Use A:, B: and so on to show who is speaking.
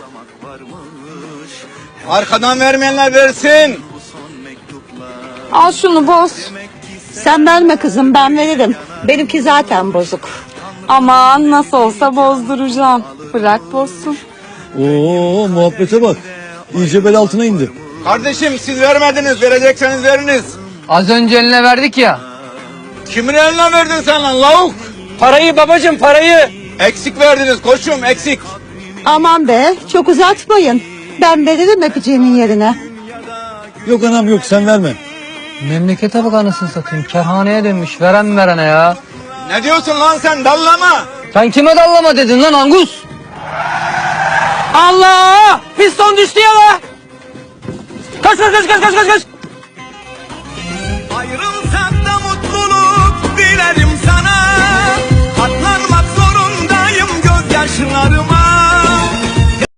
A: Arkadan vermeyenler versin.
B: Al şunu boz.
C: Sen verme kızım, ben veririm. Benimki zaten bozuk.
B: Aman nasıl olsa bozduracağım. Bırak bozsun.
D: Oo, muhabbete bak. İyice bel altına indi.
A: Kardeşim siz vermediniz, verecekseniz veriniz.
E: Az önce eline verdik ya.
A: Kimin eline verdin sen lan lavuk?
E: Parayı babacığım, parayı.
A: Eksik verdiniz koçum, eksik.
C: Aman be, çok uzatmayın. Ben veririm öpeceğinin yerine.
D: Yok anam yok, sen verme.
E: Memlekete bak anasını satayım. Kerhaneye dönmüş. Veren verene ya.
A: Ne diyorsun lan sen, dallama?
E: Sen kime dallama dedin lan Angus? Allah! Piston düştü ya la! Kaç!
A: Ayrılsak da mutluluk dilerim sana. Katlanmak zorundayım gözyaşlarıma.